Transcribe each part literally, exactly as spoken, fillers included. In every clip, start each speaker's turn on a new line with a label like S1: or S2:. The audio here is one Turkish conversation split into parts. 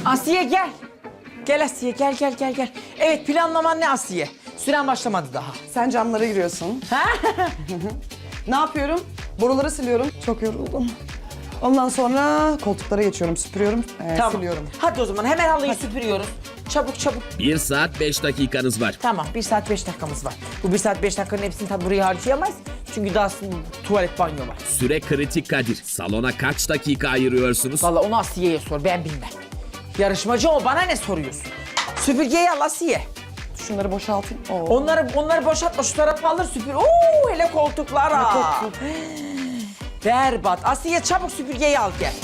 S1: Asiye gel. Gel Asiye gel gel gel gel. Evet planlaman ne Asiye? Süren başlamadı daha.
S2: Sen camlara giriyorsun. Ne yapıyorum? Boruları siliyorum. Çok yoruldum. Ondan sonra koltuklara geçiyorum, süpürüyorum, e,
S1: Tamam.
S2: siliyorum.
S1: Hadi o zaman hemen halıyı süpürüyoruz. Çabuk çabuk.
S3: Bir saat beş dakikanız var.
S1: Tamam bir saat beş dakikamız var. Bu bir saat beş dakikanın hepsini tabi buraya harcayamayız. Çünkü daha tuvalet banyo var.
S3: Süre kritik Kadir. Salona kaç dakika ayırıyorsunuz?
S1: Vallahi onu Asiye'ye sor ben bilmem. Yarışmacı o bana ne soruyorsun? Süpürgeyi al Asiye.
S2: Şunları boşaltayım. Oo.
S1: Onları onları boşaltma şu tarafa alır süpür. Oo hele koltuklara.
S2: Koltuk.
S1: Berbat. Asiye çabuk süpürgeyi al gel.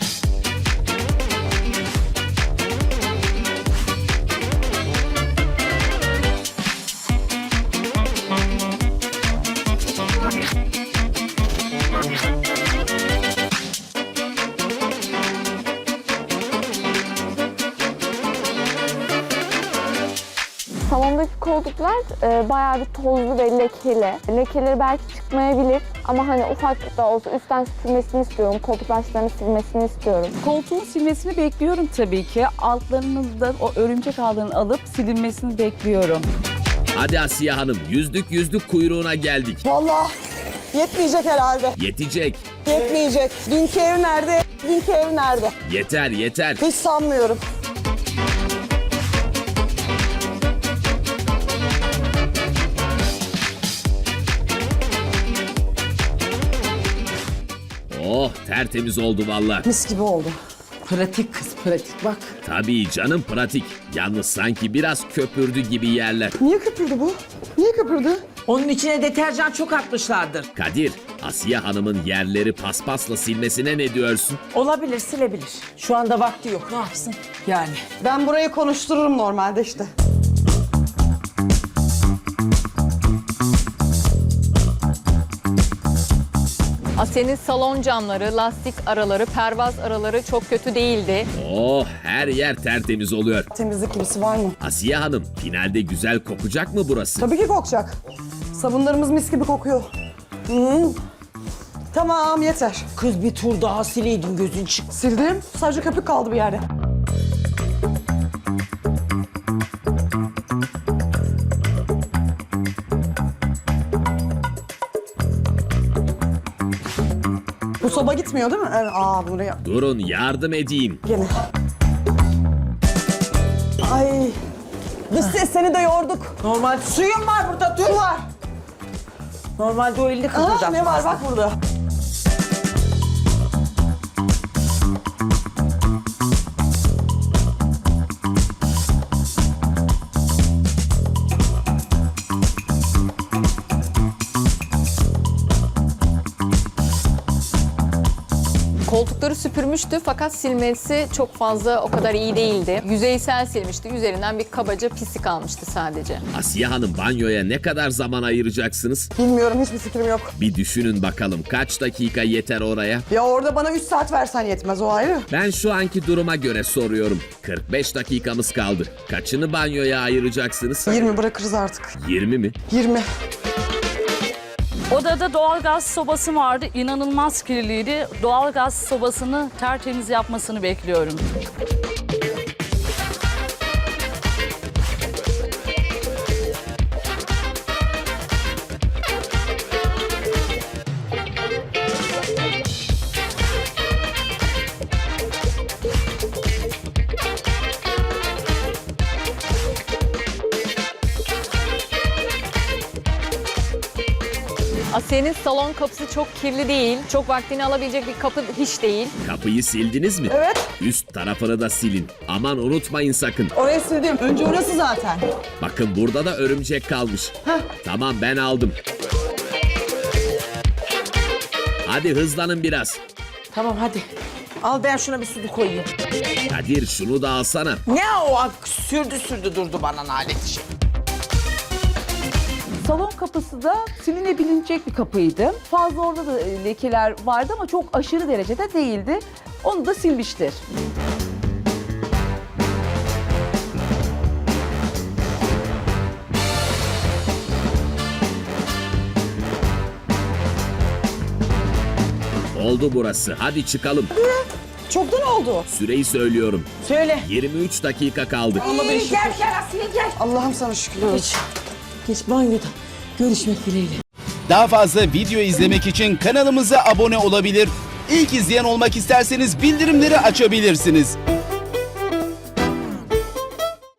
S4: Salondaki koltuklar e, bayağı bir tozlu ve lekeli. Lekeleri belki çıkmayabilir ama hani ufak da olsa üstten silmesini istiyorum. Koltuk başlarını silmesini istiyorum.
S5: Koltuğun silmesini bekliyorum tabii ki. Altlarınızda o örümcek ağlarını alıp silinmesini bekliyorum.
S3: Hadi Asiye Hanım, yüzlük yüzlük kuyruğuna geldik.
S2: Vallahi yetmeyecek herhalde.
S3: Yetecek.
S2: Yetmeyecek. Dünkü ev nerede? Dünkü ev nerede?
S3: Yeter yeter.
S2: Hiç sanmıyorum.
S3: Oh tertemiz oldu valla.
S2: Mis gibi oldu.
S1: Pratik kız pratik bak.
S3: Tabii canım pratik. Yalnız sanki biraz köpürdü gibi yerler.
S2: Niye köpürdü bu? Niye köpürdü?
S1: Onun içine deterjan çok atmışlardır.
S3: Kadir, Asiye Hanım'ın yerleri paspasla silmesine ne diyorsun?
S1: Olabilir silebilir. Şu anda vakti yok ne yapsın yani.
S2: Ben burayı konuştururum normalde işte.
S6: Asiye'nin salon camları, lastik araları, pervaz araları çok kötü değildi.
S3: Oh her yer tertemiz oluyor.
S2: Temizlik gibisi var mı?
S3: Asiye Hanım, finalde güzel kokacak mı burası?
S2: Tabii ki kokacak. Sabunlarımız mis gibi kokuyor. Hmm. Tamam yeter.
S1: Kız bir tur daha sileydin gözün çık.
S2: Sildim. Sadece köpük kaldı bir yerde. Bu soba gitmiyor değil mi? Evet. Aa buraya.
S3: Durun yardım edeyim.
S2: Gene. Ay. Dış ses seni de yorduk.
S1: Normal suyun var burada dur.
S2: Su var.
S1: Normalde o elini
S2: Aa,
S1: kıpırdatmaz.
S2: ne var bak burada.
S6: Koltukları süpürmüştü fakat silmesi çok fazla o kadar iyi değildi. Yüzeysel silmişti. Üzerinden bir kabaca pislik almıştı sadece.
S3: Asiye Hanım banyoya ne kadar zaman ayıracaksınız?
S2: Bilmiyorum hiçbir fikrim yok.
S3: Bir düşünün bakalım kaç dakika yeter oraya?
S2: Ya orada bana üç saat versen yetmez o ayrı.
S3: Ben şu anki duruma göre soruyorum. kırk beş dakikamız kaldı. Kaçını banyoya ayıracaksınız?
S2: yirmi bırakırız artık.
S3: yirmi mi?
S2: yirmi.
S5: Odada doğalgaz sobası vardı. İnanılmaz kirliydi. Doğalgaz sobasını tertemiz yapmasını bekliyorum.
S6: Asiye'nin salon kapısı çok kirli değil. Çok vaktini alabilecek bir kapı hiç değil.
S3: Kapıyı sildiniz mi?
S2: Evet.
S3: Üst tarafını da silin. Aman unutmayın sakın.
S2: Orayı sildim. Önce orası zaten.
S3: Bakın burada da örümcek kalmış. Tamam ben aldım. Hadi hızlanın biraz.
S1: Tamam hadi. Al ben şuna bir su koyayım.
S3: Kadir şunu da alsana.
S1: Ne o ak- sürdü sürdü durdu bana nalet işi.
S5: Salon kapısı da silinebilecek bir kapıydı. Fazla orada da e, lekeler vardı ama çok aşırı derecede değildi. Onu da silmiştir.
S3: Oldu burası. Hadi çıkalım.
S2: Çoktan oldu.
S3: Süreyi söylüyorum.
S1: Söyle.
S3: yirmi üç dakika kaldı.
S1: İyi, gel gel Asiye gel.
S2: Allah'ım sana şükürler olsun.
S1: Geç banyoda. Görüşmek dileğiyle.
S7: Daha fazla video izlemek için kanalımıza abone olabilir. İlk izleyen olmak isterseniz bildirimleri açabilirsiniz.